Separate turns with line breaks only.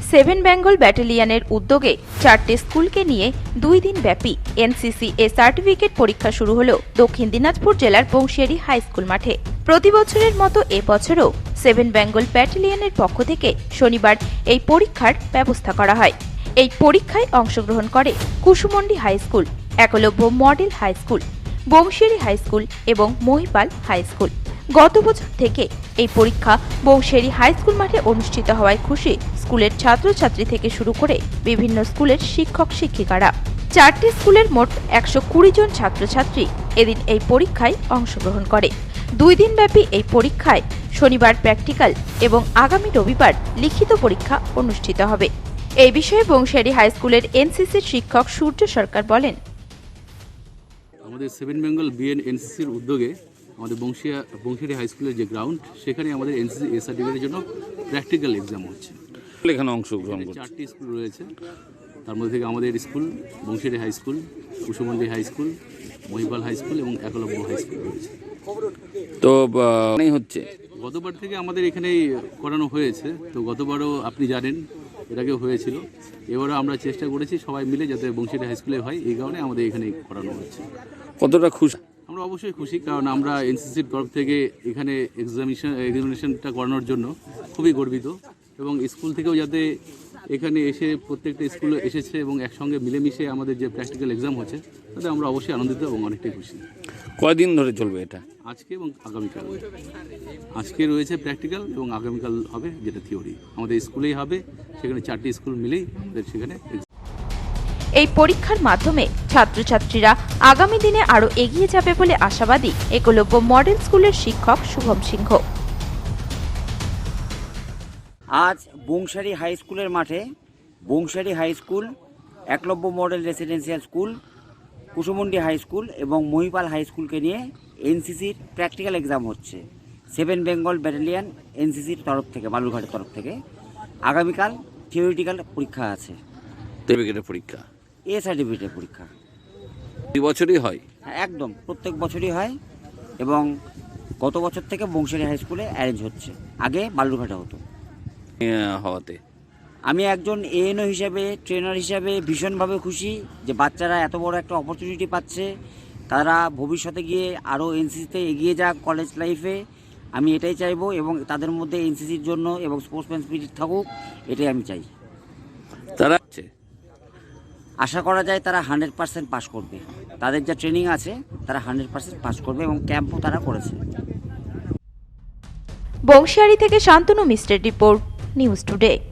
Seven Bengal ব্যাটালিয়নের উদ্যোগে 4টে স্কুলকে নিয়ে 2 দিন ব্যাপী এনসিসি এ সার্টিফিকেট পরীক্ষা শুরু হলো দক্ষিণ দিনাজপুর জেলার বংশিয়ারি হাই স্কুল মাঠে। প্রতি বছরের মতো এবছরও সেভেন বেঙ্গল ব্যাটালিয়নের পক্ষ থেকে শনিবার এই পরীক্ষার ব্যবস্থা করা হয়। এই পরীক্ষায় অংশগ্রহণ করে Kusumandi high school, Eklavya model high school, Bansihari high school এবং মহিপাল হাই স্কুল। গত বছর থেকে এই পরীক্ষা বংশিয়ারি হাই স্কুল মাঠে অনুষ্ঠিত হওয়ায় খুশি স্কুলের ছাত্রছাত্রী থেকে শুরু করে বিভিন্ন স্কুলের শিক্ষক শিক্ষিকারা। 4টি স্কুলের মোট 120 জন ছাত্রছাত্রী এদিন এই পরীক্ষায় অংশগ্রহণ করে। 2 দিনব্যাপী এই পরীক্ষায় শনিবার প্র্যাকটিক্যাল এবং আগামী রবিবার লিখিত পরীক্ষা অনুষ্ঠিত হবে। এই বিষয়ে বংশিয়ারি হাই স্কুলের এনসিসির শিক্ষক সূর্য সরকার বলেন,
আমাদের সেভেন বেঙ্গল বিএন এনসিসির উদ্যোগে আমাদের বংশিয়ারি হাই স্কুলের যে গ্রাউন্ড, সেখানে আমাদের এনসিসি এ সার্টিফিকেটের জন্য প্র্যাকটিক্যাল এক্সাম হচ্ছে।
এখানে অংশগ্রহণ করছে
4টি স্কুল রয়েছে, তার মধ্যে থেকে আমাদের school Bansihari high school, Kusumandi high school, Mahipal high school এবং একলব্য হাই স্কুল রয়েছে।
তো হচ্ছে
গতবার থেকে আমাদের এখানেই করানো হয়েছে। তো গতবারও আপনি জানেন এর আগেও হয়েছিল। এবারও আমরা চেষ্টা করেছি সবাই মিলে যাতে বংশিয়ারি হাই স্কুলে হয়, এই কারণে আমাদের এখানেই করানো হচ্ছে।
কতটা খুশি?
আমরা অবশ্যই খুশি, কারণ আমরা এনসিসির তরফ থেকে এখানে এক্সামিনেশনটা করানোর জন্য খুবই গর্বিত, এবং স্কুল থেকেও যাতে এখানে এসে প্রত্যেকটা স্কুলে এসেছে এবং একসঙ্গে মিলেমিশে আমাদের যে প্র্যাকটিক্যাল এক্সাম হচ্ছে, তাতে আমরা অবশ্যই আনন্দিত এবং অনেকটাই খুশি।
কয়দিন ধরে চলবে এটা?
আজকে এবং আগামীকাল। আজকে রয়েছে প্র্যাকটিক্যাল এবং আগামীকাল হবে যেটা থিওরি। আমাদের স্কুলেই হবে, সেখানে 4টি স্কুল মিলেই আমাদের সেখানে।
এই পরীক্ষার মাধ্যমে ছাত্রছাত্রীরা আগামী দিনে আরও এগিয়ে যাবে বলে আশাবাদী একলব্য মডেল স্কুলের শিক্ষক শুভম সিংহ।
আজ বংশিয়ারি হাই স্কুলের মাঠে Bansihari high school, Eklavya model residential school, Kusumandi high school এবং মহিপাল হাই স্কুলকে নিয়ে এনসিসির প্র্যাকটিক্যাল এক্সাম হচ্ছে সেভেন বেঙ্গল ব্যাটালিয়ন এনসিসির তরফ থেকে, বালুরঘাটের তরফ থেকে। আগামীকাল থিওরিটিক্যাল পরীক্ষা আছে,
সার্টিফিকেটের পরীক্ষা,
এ সার্টিফিকেটের পরীক্ষা।
2 বছরই হয়?
একদম প্রত্যেক বছরই হয়, এবং গত বছর থেকে বংশিয়ারি হাই স্কুলে অ্যারেঞ্জ হচ্ছে, আগে বালুরঘাটে হতো।
হওয়াতে
আমি একজন এএনও হিসাবে, ট্রেনার হিসাবে ভীষণভাবে খুশি যে বাচ্চারা এত বড় একটা অপরচুনিটি পাচ্ছে। তারা ভবিষ্যতে গিয়ে আরও এনসিসিতে এগিয়ে যাক কলেজ লাইফে, আমি এটাই চাইবো, এবং তাদের মধ্যে এনসিসির জন্য এবং স্পোর্টসম্যান স্পিরিট থাকুক, এটাই আমি চাই।
তারা
আশা করা যায় তারা 100% পাস করবে। তাদের যা ট্রেনিং আছে তারা 100% পাস করবে, এবং ক্যাম্পও তারা করেছে।
বংশিয়ারি থেকে শান্তনু মিশ্রের রিপোর্ট, নিউজ টুডে।